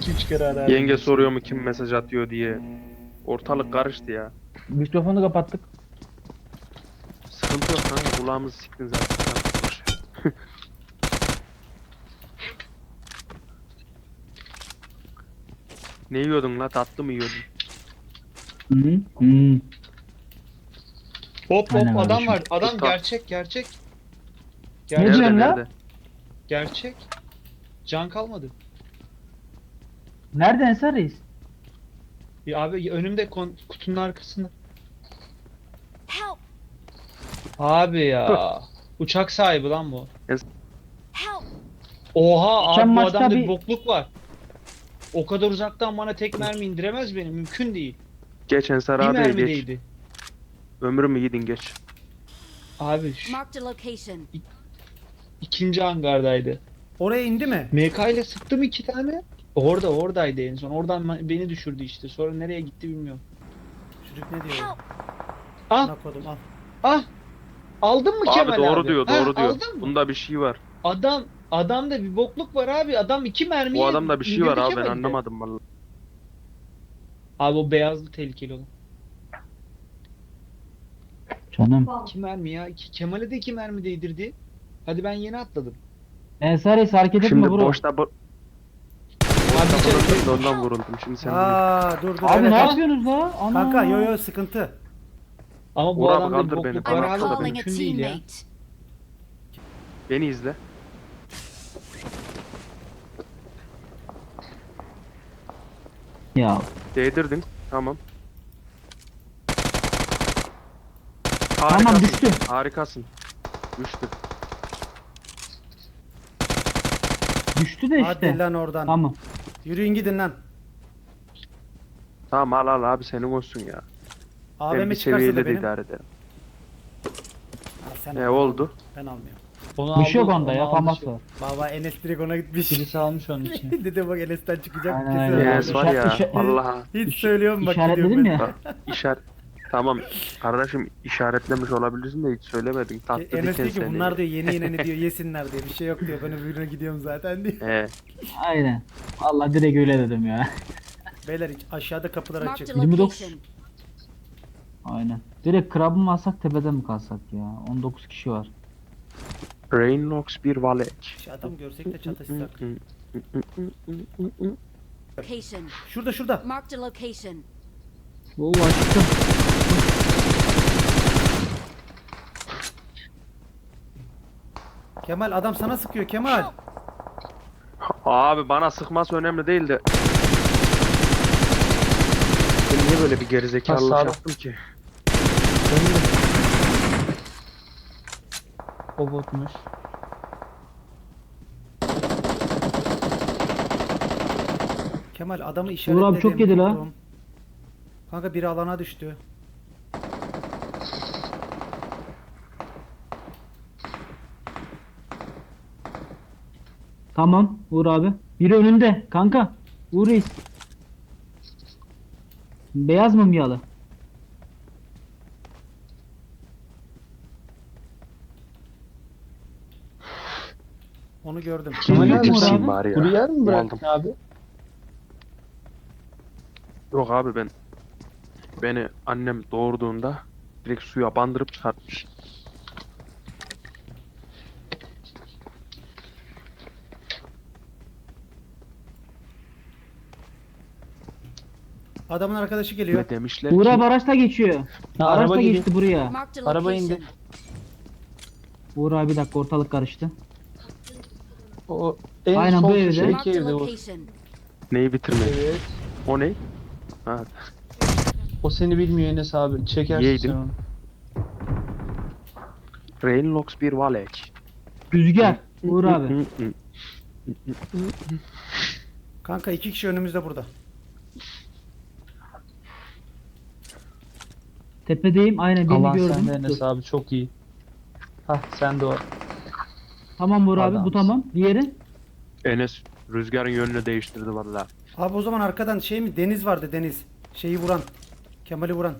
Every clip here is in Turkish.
2-3 kere arar. Yenge soruyor mu kim mesaj atıyor diye. Ortalık karıştı ya. Mikrofonu kapattık. Sıkıntı yok kanka, kulağımızı siktin zaten. Boş ver. Ne yiyordun la, tatlı mı yiyordun? Hı hı. Hop Aynen hop adam kardeşim. var. Adam Tutam. gerçek. Ne Gerçek. diyorsun lan? Gerçek. Can kalmadı. Nerede Ensar Reis? Ya abi önümde kutunun arkasında. Help! Abi ya. Uçak sahibi lan bu. Help! Oha Geçen abi bu maçta adamda bir bir- bokluk var. O kadar uzaktan bana tek mermi indiremez beni. Mümkün değil. Geç Ensar Bir abiye mermi geç. değdi. Ömrümü yedin, geç. Abi Marked a location. ikinci hangardaydı. Oraya indi mi? MK ile sıktım 2 tane. Oradaydı en son. Oradan beni düşürdü işte. Sonra nereye gitti bilmiyorum. Çocuk ne diyor? Help! Ah Bana kodum al. ah. Aldın mı Kemal Abi abi? doğru diyor, Ha, doğru diyor. Aldın mı? Bunda bir şey var. Adamda bir bokluk var abi. Adam 2 mermiye Bu adamda bir şey var indirdi abi, ben Kemal'i de. anlamadım vallahi. Abi o beyazlı tehlikeli olan. Canım. 2 mermi ya. Kemal'e de 2 mermi değdirdi. Hadi ben yeni atladım. Ensar Reis hareket etme Şimdi bro. boşta Abi bulundum da ondan vuruldum. Şimdi sen bilirsin. Aa dur dur. Abi evet, ne evet. yapıyorsunuz la? Ana. Kanka yo sıkıntı. Ama bu Uğur abi adamda bir kaldır beni, bokluk ben var I'm abi. atladım. recalling a Mümkün değil ya. teammate. Beni izle. Ya Değdirdin. Tamam. tamam Harikasın. düştü. Harikasın. Düştü. Düştü de işte. Hadi lan oradan. Tamam. Yürüyün gidin lan. Tamam, al abi, senin olsun ya. Ben AVM bir çıkarsa seviyeyle da de benim. idare ederim. Al, sen Ne al. oldu? Ben almıyorum. Onu Bir şey yok aldı, onda onu ya. aldı Famas şey. var. Baba Enes direkt ona gitmiş. Birisi almış onun için. Dedi bak Enes'ten çıkacak Aynen, kesin. aynen. öyle. Yes var ya. İşaret- Vallahi. Hiç söylüyorum bak İşaretledim gidiyorum ya. Bak, Tamam kardeşim, işaretlemiş olabilirsin de hiç söylemedin. Tatlı ben. Enes diken diyor ki seni. bunlar diyor yeni yeni diyor yesinler diyor. Bir şey yok diyor. Ben öbürüne gidiyorum zaten diyor. Aynen. Allah direkt öyle dedim ya. Beyler aşağıda kapılar Marked açık. a 29. location. Aynen. Direkt krabı mı alsak tepeden mi kalsak ya? 19 kişi var. Rainlox bir Valek. Şu adam görsek de çatışsak. Location. Şurada şurada. Marked a location. Oo açtım. Kemal adam sana sıkıyor Kemal. Abi bana sıkması önemli değil de. Ben niye böyle bir gerizekalılık Ha, sağda. yaptım ki? O botmuş. Kemal adamı Uğur işaretledim. abi çok yedi la. Vurdum. Kanka biri alana düştü. Tamam Uğur abi. Biri önünde kanka. Uğur Reis. Beyaz mı miyalı? Onu gördüm. Kemal Ne abi, bitirsin abi. bari ya. Kuru yer mi Aldım. bıraktın abi? Yok abi, beni annem doğurduğunda direkt suya bandırıp çıkartmış. Adamın arkadaşı geliyor. Ve demişler Uğur ki abi araçla geçiyor. Ha, Araçla araba geliyor. geçti buraya. Marked a Araba indi. location. Uğur abi bir dakika ortalık karıştı. O en Aynen, sol bu evde. köşedeki Marked a evde o. location. neyi bitirmek? Evet. O ne? Ha, O seni bilmiyor Enes abi. Çekersin Yeğdim. sen onu. Rainlox bir Valek. Rüzgar. Uğur abi. Kanka iki kişi önümüzde burada. Tepedeyim. Aynen birini Alan gördüm. sende Enes Dur. abi çok iyi. Hah sen de o. Tamam Uğur abi bu Adamsın. tamam. Diğeri? Enes rüzgarın yönünü değiştirdi valla. Abi o zaman arkadan şey mi? Deniz vardı Deniz. Şeyi vuran. Kemal'i vuran.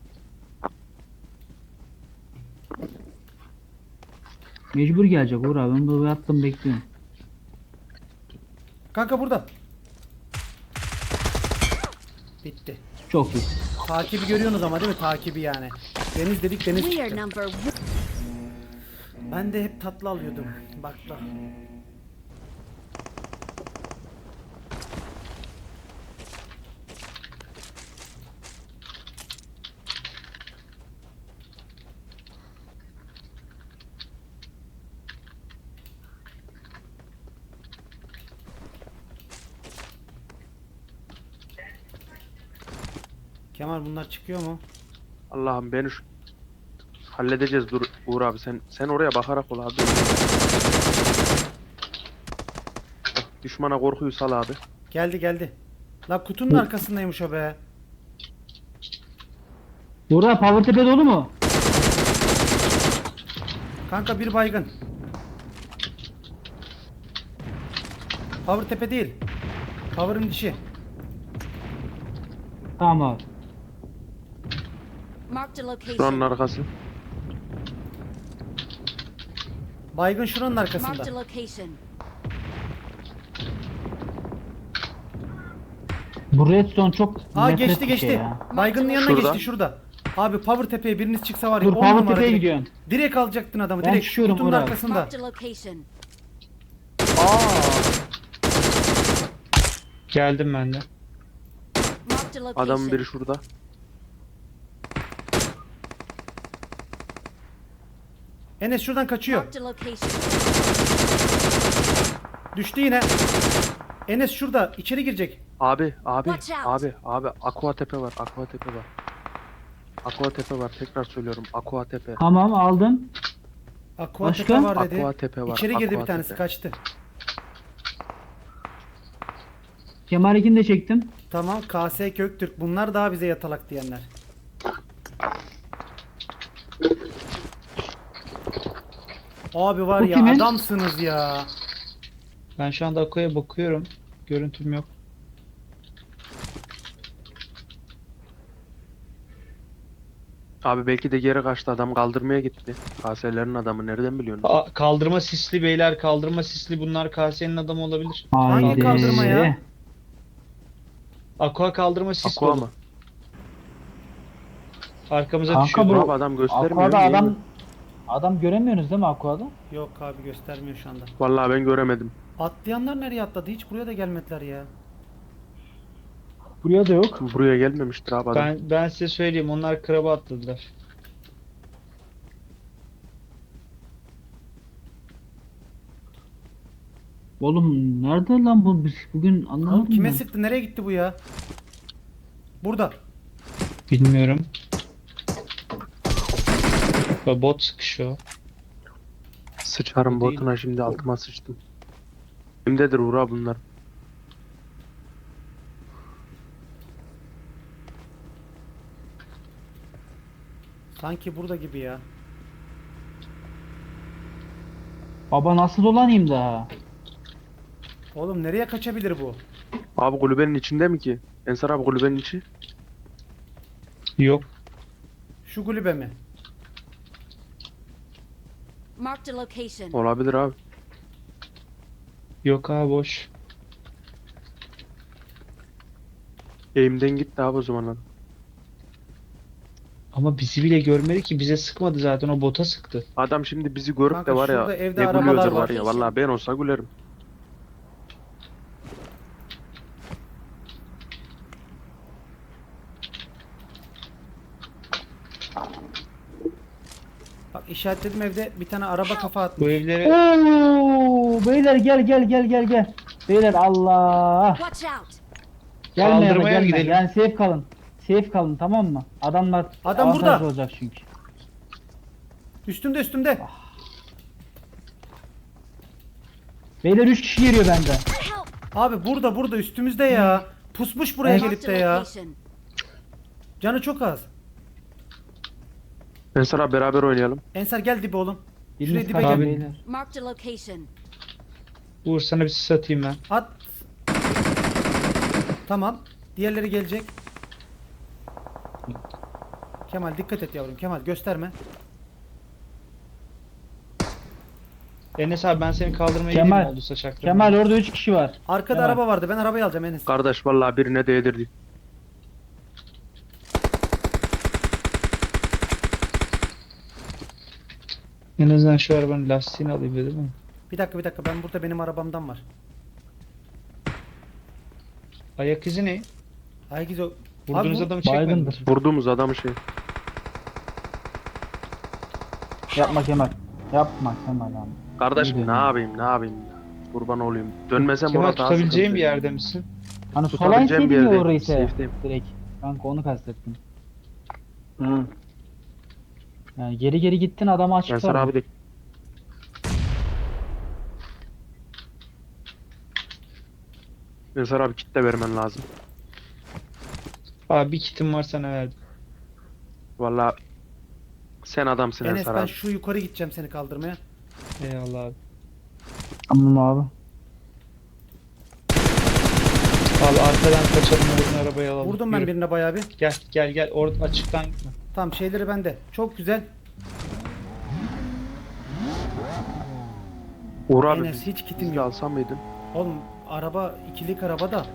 Mecbur gelecek Uğur abi. Ben burada yattım bekliyorum. Kanka burada. Bitti. Çok iyi. Takibi görüyorsunuz ama değil mi? Takibi yani. Deniz dedik deniz We are çıktı. number one. Ben de hep tatlı alıyordum. Bakla. Kemal bunlar çıkıyor mu? Allah'ım beni halledeceğiz, dur Uğur abi, sen oraya bakarak ol abi. Bak, düşmana korkuyu sal abi. Geldi geldi. La kutunun arkasındaymış o be. Burak power tepe dolu mu? Kanka bir baygın. Power tepe değil. Power'ın dişi. Tamam abi. Marked a Şuranın location. arkası. Baygın şuranın Marked a arkasında. location. Bu redstone çok Aa nefret geçti bir geçti. şey ya. Baygının yanına Şurada. geçti şurada. Abi power tepeye biriniz çıksa var ya Dur 10 power numara tepeye direkt. gidiyorsun. Direkt alacaktın adamı Ben direkt. çıkıyorum Kutunun Uğur abi. arkasında. Marked a location. Geldim ben de. Marked a location. Adamın biri şurada. Enes şuradan kaçıyor. Marked a location. Düştü yine. Enes şurada içeri girecek. Abi Watch out. abi Aqua Tepe var, Aqua Tepe var. Aqua Tepe var, tekrar söylüyorum, Aqua Tepe. Tamam aldım. Aqua Başka? tepe var dedi. Aqua Tepe var. İçeri girdi Aqua bir tanesi Tepe. kaçtı. Kemal'inkini de çektim. Tamam KS Köktürk bunlar daha bize yatalak diyenler. Abi var Bu ya kimin? adamsınız ya. Ben şu anda Ako'ya bakıyorum. Görüntüm yok. Abi belki de geri kaçtı, adam kaldırmaya gitti. KS'lerin adamı nereden biliyorsun? Kaldırma sisli beyler, kaldırma sisli, bunlar KS'nin adamı olabilir. Hangi Haydi. kaldırma ya? Aqua kaldırma sis Aqua dolu. mı? Arkamıza Kanka düşüyor. bu- Abi adam göstermiyor. Aqua'da niye adam mi? adam göremiyorsunuz değil mi Aqua'da? Yok abi göstermiyor şu anda. Vallahi ben göremedim. Atlayanlar nereye atladı? Hiç buraya da gelmediler ya. Buraya da yok. Buraya gelmemiştir abi adam. Ben size söyleyeyim, onlar kraba atladılar. Oğlum nerede lan bu biz bugün Oğlum anlamadım kime ben. sıktı? Nereye gitti bu ya? Burada. Bilmiyorum. Bot sıkışıyor. Sıçarım Bu değil. botuna, şimdi altıma sıçtım. Kimdedir Uğur abi bunlar? Sanki burada gibi ya. Baba nasıl dolanayım daha? Oğlum nereye kaçabilir bu? Abi kulübenin içinde mi ki? Ensar abi kulübenin içi. Yok. Şu kulübe mi? Marked a location. Olabilir abi. Yok abi, boş. Eğimden gitti abi o zaman adam. Ama bizi bile görmedi ki, bize sıkmadı zaten, o bota sıktı. Adam şimdi bizi görüp Kanka de var ya, şurada evde ne arabalar gülüyordur var. var ya. Vallahi ben olsa gülerim. Bak işaretledim evde bir tane araba kafa atmış. Bu evlere Oo, beyler gel. Beyler Allah. Watch out. Gelme ya da Kaldırmaya gelme. gidelim. Yani safe kalın. Safe kalın tamam mı? Adamlar Adam avantajlı burada. olacak çünkü. Üstümde. Beyler 3 kişi geliyor benden. Help. Abi burada üstümüzde ya. Pusmuş buraya Evet. gelip Marked de a ya. location. Canı çok az. Ensar abi beraber oynayalım. Ensar gel dibe oğlum. Şuraya Biriniz dibe kaçın gel. Abi. beyler. Marked a location. Uğur, sana bir sis atayım ben. At. Tamam. Diğerleri gelecek. Kemal dikkat et yavrum. Kemal gösterme. Enes abi, ben seni kaldırmaya Kemal. gideyim, oldu saçaklarım. Kemal orada 3 kişi var. Arkada Kemal. araba vardı. Ben arabayı alacağım Enes. Kardeş vallahi birine değdirdi. En azından şu arabanın lastiğini alayım dedim ama. Bir dakika ben burada benim arabamdan var. Ayak izi ne? Aygız o. Vurduğunuz Abi bu- adamı çekmediniz. baygındır. Vurduğumuz adamı şey. Yapma Kemal. Yapma Kemal abi. Kardeşim İyi ne de- yapayım ne yapayım ya. Kurban olayım. Dönmesem Kemal orada daha tutabileceğin sıkıntı. bir yerde misin? Hani sola Tutabileceğim bir inseydin ya yerdeyim, orayı ise. safe'deyim. Direkt. Kanka onu kastettim. Hı. Yani geri gittin adamı açık Ensar abi de Ensar abi kit de vermen lazım. Abi bir kitim var sana verdim. Valla sen adamsın Enes Ensar ben abi. şu yukarı gideceğim seni kaldırmaya. Eyvallah abi. Tamam abi. Abi arkadan kaçalım oradan arabayı alalım. Vurdum ben Yürü. birine bayağı bir. Gel orada açıktan gitme. Tamam şeyleri bende. Çok güzel. Uğur abi Enes hiç kitim biz de yok. alsam mıydın? Oğlum araba ikilik araba da.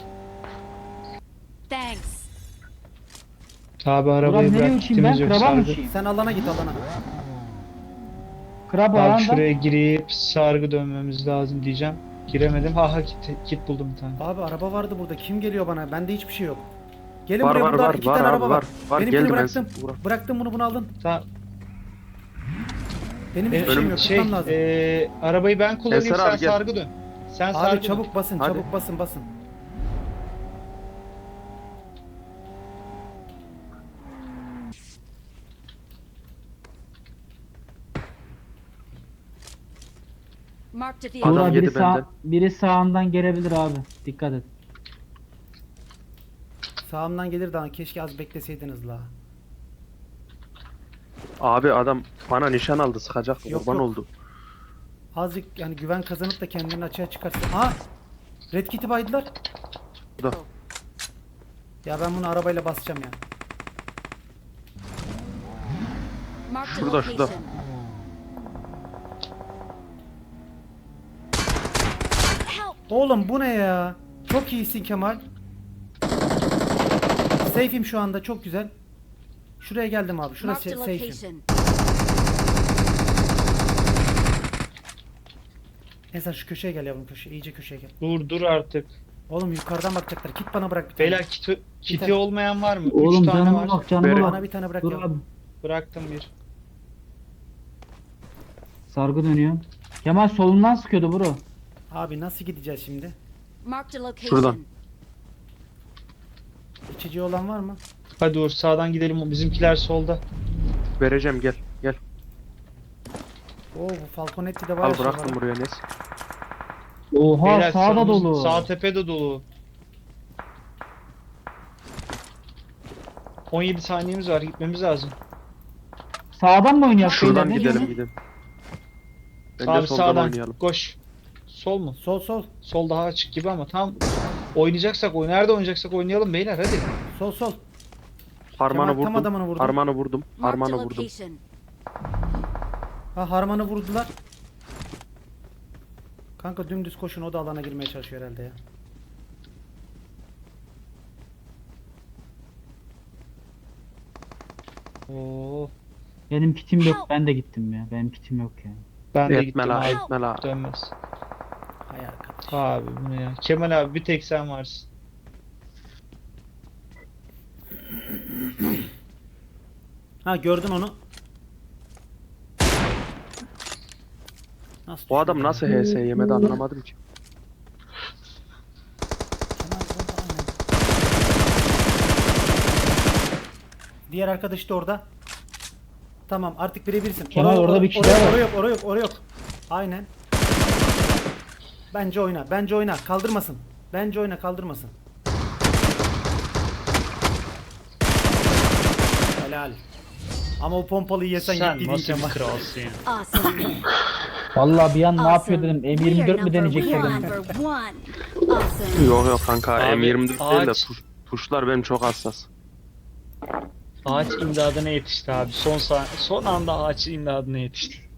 Thanks. Abi arabayı Ulan nereye bırak uçayım ben? gittiğimiz yok Kraba mı sargı. uçayım? Sen alana git alana. Krab Abi ayağında. şuraya girip sargı dönmemiz lazım diyeceğim. Giremedim. Ha kit buldum bir tane. Abi araba vardı burada. Kim geliyor bana? Bende hiçbir şey yok. Gelin Var, buraya var, burada var, iki var tane abi, araba var. var. Var, Benimkini geldim bıraktım. Ensar, Uğur. Bıraktım bunu alalım. Tamam. Benim hiçbir şeyim yok. Tutmam lazım. Arabayı ben kullanayım Ensar sen abi gel. sargı dön. Sen Abi sargı çabuk dön. basın, Hadi. çabuk basın. Marked a Uğur vehicle. Adam abi yedi biri, benden. biri sağından gelebilir abi. Dikkat et. Sağımdan gelir daha. Keşke az bekleseydiniz la. Abi adam bana nişan aldı sıkacak Yok, kurban yok. oldu. Azıcık yani güven kazanıp da kendini açığa çıkarsın. Aa! Red Kit'i baydılar. Burada. Ya ben bunu arabayla basacağım ya. Marked a Şurada, şurada. location. Help. Oğlum bu ne ya? Çok iyisin Kemal. Safe'im şu anda çok güzel. Şuraya geldim abi. Şurası Marked a safe'im. location. Neyse şu köşeye gel yavrum köşeye. İyice köşeye gel. Dur artık. Oğlum yukarıdan bakacaklar. Kit bana bırak bir tane. Beyler kiti tane. olmayan var mı? Oğlum 3 tane canıma var. bak canıma Verin. bak. Bana bir tane bırak Dur ya. abi. Bıraktım bir. Sargı dönüyor. Kemal solundan sıkıyordu bro. Abi nasıl gideceğiz şimdi? Marked a location. Şuradan. İçeceği olan var mı? Hadi Uğur sağdan gidelim. Bizimkiler solda. Vereceğim gel. Gel. Oo bu Falconetti'de var Al ya şey bıraktım var. buraya Nes. Oha Beyler, sağda solumuz- dolu. Sağ tepede dolu. 17 saniyemiz var. Gitmemiz lazım. Sağdan mı oynuyor? Şuradan beyler? Ne gidelim diyorsun? gidelim. Bence Abi soldan sağdan oynayalım. koş. Sol mu? Sol. Sol daha açık gibi ama tam oynayacaksak nerede oynayacaksak oynayalım beyler hadi. Sol. Harmanı Kemal tam vurdum. adamını vurdum. Harmanı vurdum. Marked a Harmanı vurdum. location. Ha harmanı vurdular. Kanka dümdüz koşun o da alana girmeye çalışıyor herhalde ya. Oo, Benim kitim yok. Ben de gittim ya. Benim kitim yok ya. ben de Etme gittim la abi. etme la. Dönmez. Hay arkadaş. Abi bu ne ya? Kemal abi bir tek sen varsın. Ha gördün onu. Nasıl O adam düşürdü nasıl ya? HS yemedi anlamadım ki. Kemal burada, aynen. Diğer arkadaş da orada. Tamam artık birebirsin. Kemal, orada bir kişi daha var. Oraya yok. Aynen. Bence oyna. Kaldırmasın. Bence oyna kaldırmasın. Helal. Ama o pompalıyı yesen Sen gitti nasıl bir Kemal. kralsın ya? Awesome. Vallahi bir an ne yapıyor Awesome. dedim. We are M24 mi deneyecek we are dedim. number one. Awesome. Yok kanka Abi, M24 değil de ağaç- tuşlar benim çok hassas. Ağaç imdadına yetişti abi. Son anda ağaç imdadına yetişti.